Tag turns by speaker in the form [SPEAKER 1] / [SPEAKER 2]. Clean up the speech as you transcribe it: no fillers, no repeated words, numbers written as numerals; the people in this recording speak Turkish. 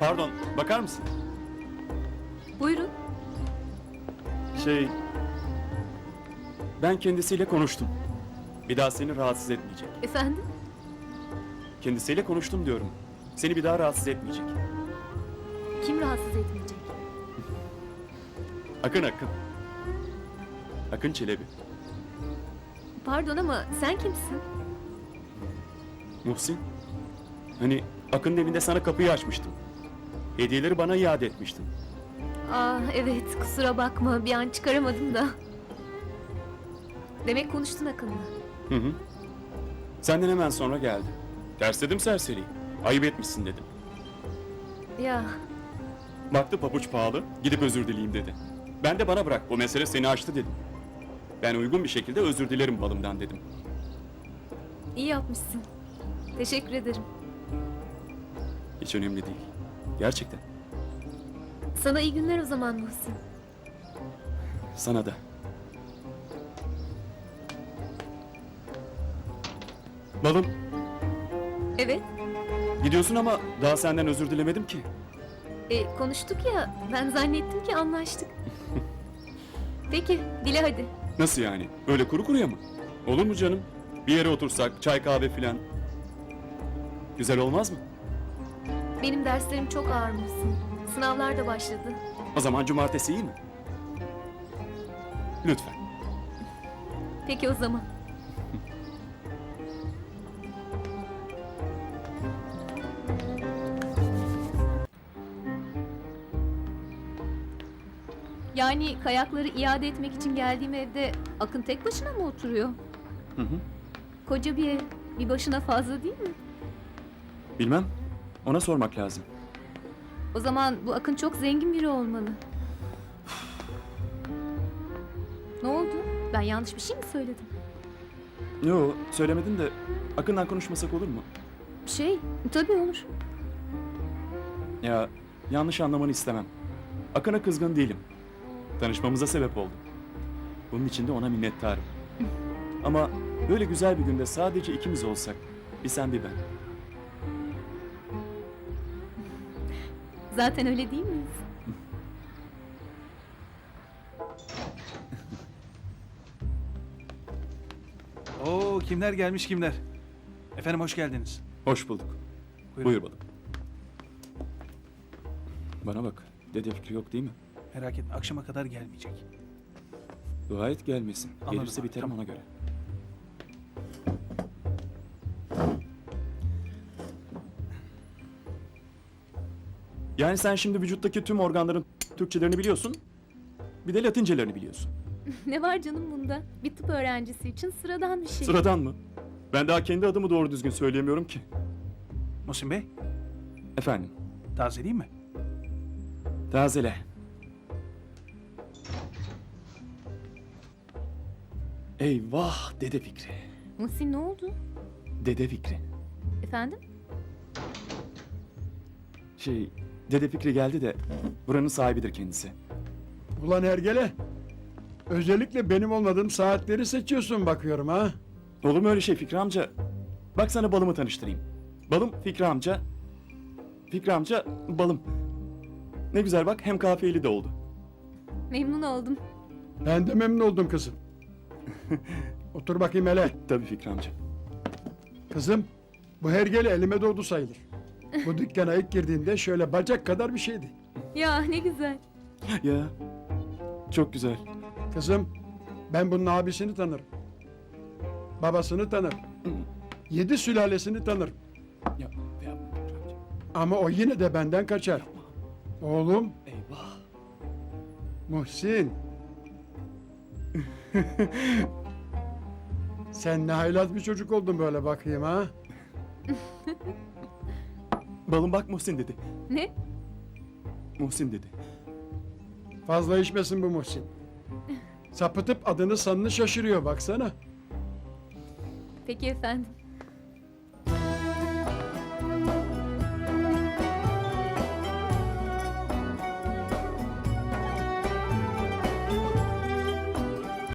[SPEAKER 1] Pardon, bakar mısın?
[SPEAKER 2] Buyurun.
[SPEAKER 1] Ben kendisiyle konuştum. Bir daha seni rahatsız etmeyecek.
[SPEAKER 2] Efendim?
[SPEAKER 1] Kendisiyle konuştum diyorum. Seni bir daha rahatsız etmeyecek.
[SPEAKER 2] Kim rahatsız etmeyecek?
[SPEAKER 1] Akın. Akın Çelebi.
[SPEAKER 2] Pardon ama sen kimsin?
[SPEAKER 1] Muhsin. Hani Akın'ın evinde sana kapıyı açmıştım. Hediyeleri bana iade etmiştin.
[SPEAKER 2] Evet, kusura bakma, bir an çıkaramadım da. Demek konuştun Akın'la.
[SPEAKER 1] Hı. Senden hemen sonra geldi. Tersledim serseriyi. Ayıp etmişsin dedim.
[SPEAKER 2] Ya,
[SPEAKER 1] Baktı pabuç pahalı, gidip özür dileyeyim dedi. Ben de bana bırak, bu mesele seni aştı dedim. Ben uygun bir şekilde özür dilerim balımdan dedim.
[SPEAKER 2] iyi yapmışsın. Teşekkür ederim.
[SPEAKER 1] Hiç önemli değil. Gerçekten.
[SPEAKER 2] Sana iyi günler o zaman Muhsin.
[SPEAKER 1] Sana da. Balım,
[SPEAKER 2] Evet,
[SPEAKER 1] gidiyorsun ama daha senden özür dilemedim ki.
[SPEAKER 2] konuştuk ya, ben zannettim ki anlaştık. Peki, dile hadi.
[SPEAKER 1] Nasıl yani? Öyle kuru kuruya mı? Olur mu canım? Bir yere otursak, çay kahve filan. Güzel olmaz mı?
[SPEAKER 2] Benim derslerim çok ağır Muhsin. Sınavlar da başladı.
[SPEAKER 1] O zaman cumartesi iyi mi? Lütfen.
[SPEAKER 2] Peki o zaman. Yani kayakları iade etmek için geldiğim evde Akın tek başına mı oturuyor?
[SPEAKER 1] Hı.
[SPEAKER 2] Koca bir ev, bir başına fazla değil mi?
[SPEAKER 1] Bilmem. Ona sormak lazım.
[SPEAKER 2] O zaman bu Akın çok zengin biri olmalı. Ne oldu? Ben yanlış bir şey mi söyledim?
[SPEAKER 1] Yo, söylemedim de Akın'dan konuşmasak olur mu?
[SPEAKER 2] Tabii olur.
[SPEAKER 1] Ya, yanlış anlamanı istemem. Akın'a kızgın değilim. Tanışmamıza sebep oldu. Bunun için de ona minnettarım. Ama böyle güzel bir günde sadece ikimiz olsak, bir sen bir ben.
[SPEAKER 2] Zaten öyle değil miyiz?
[SPEAKER 3] Oo, kimler gelmiş kimler? Efendim hoş geldiniz.
[SPEAKER 1] Hoş bulduk.
[SPEAKER 3] Buyurun.
[SPEAKER 1] Buyur balım. Bana bak, dede fikri yok değil mi?
[SPEAKER 3] Merak etme, akşama kadar gelmeyecek.
[SPEAKER 1] Dua et gelmesin.
[SPEAKER 3] Anladım
[SPEAKER 1] Gelirse
[SPEAKER 3] abi,
[SPEAKER 1] biterim
[SPEAKER 3] tamam.
[SPEAKER 1] ona göre. Yani sen şimdi vücuttaki tüm organların Türkçelerini biliyorsun. Bir de Latincelerini biliyorsun.
[SPEAKER 2] Ne var canım bunda? Bir tıp öğrencisi için sıradan bir şey.
[SPEAKER 1] Sıradan mı? Ben daha kendi adımı doğru düzgün söyleyemiyorum ki.
[SPEAKER 3] Muhsin Bey,
[SPEAKER 1] Efendim,
[SPEAKER 3] tazeleyeyim mi?
[SPEAKER 1] tazele. Eyvah Dede Fikri.
[SPEAKER 2] Muhsin ne oldu?
[SPEAKER 1] Dede Fikri.
[SPEAKER 2] Efendim?
[SPEAKER 1] Dede Fikri geldi de buranın sahibidir kendisi.
[SPEAKER 4] Ulan Ergele, özellikle benim olmadığım saatleri seçiyorsun bakıyorum ha.
[SPEAKER 1] Olur mu öyle şey Fikri amca? Bak sana balımı tanıştırayım. Balım Fikri amca. Fikri amca balım. Ne güzel bak hem kafiyeli de oldu.
[SPEAKER 2] Memnun oldum.
[SPEAKER 4] Ben de memnun oldum kızım. Otur bakayım hele.
[SPEAKER 1] Tabii Fikri amca.
[SPEAKER 4] Kızım, bu Hergele elime doğdu sayılır. Bu dükkana ilk girdiğinde şöyle bacak kadar bir şeydi.
[SPEAKER 2] Ya ne güzel.
[SPEAKER 1] Ya çok güzel.
[SPEAKER 4] Kızım, ben bunun abisini tanırım. Babasını tanırım. 7 sülalesini tanırım.
[SPEAKER 1] Ya, Fikri amca.
[SPEAKER 4] Ama o yine de benden kaçar. Oğlum,
[SPEAKER 1] Eyvah.
[SPEAKER 4] Muhsin. Sen ne haylaz bir çocuk oldun böyle bakayım ha.
[SPEAKER 1] Balım bak Muhsin dedi.
[SPEAKER 2] Ne?
[SPEAKER 1] Muhsin dedi.
[SPEAKER 4] Fazla içmesin bu Muhsin. Sapıtıp adını sanını şaşırıyor baksana.
[SPEAKER 2] Peki efendim.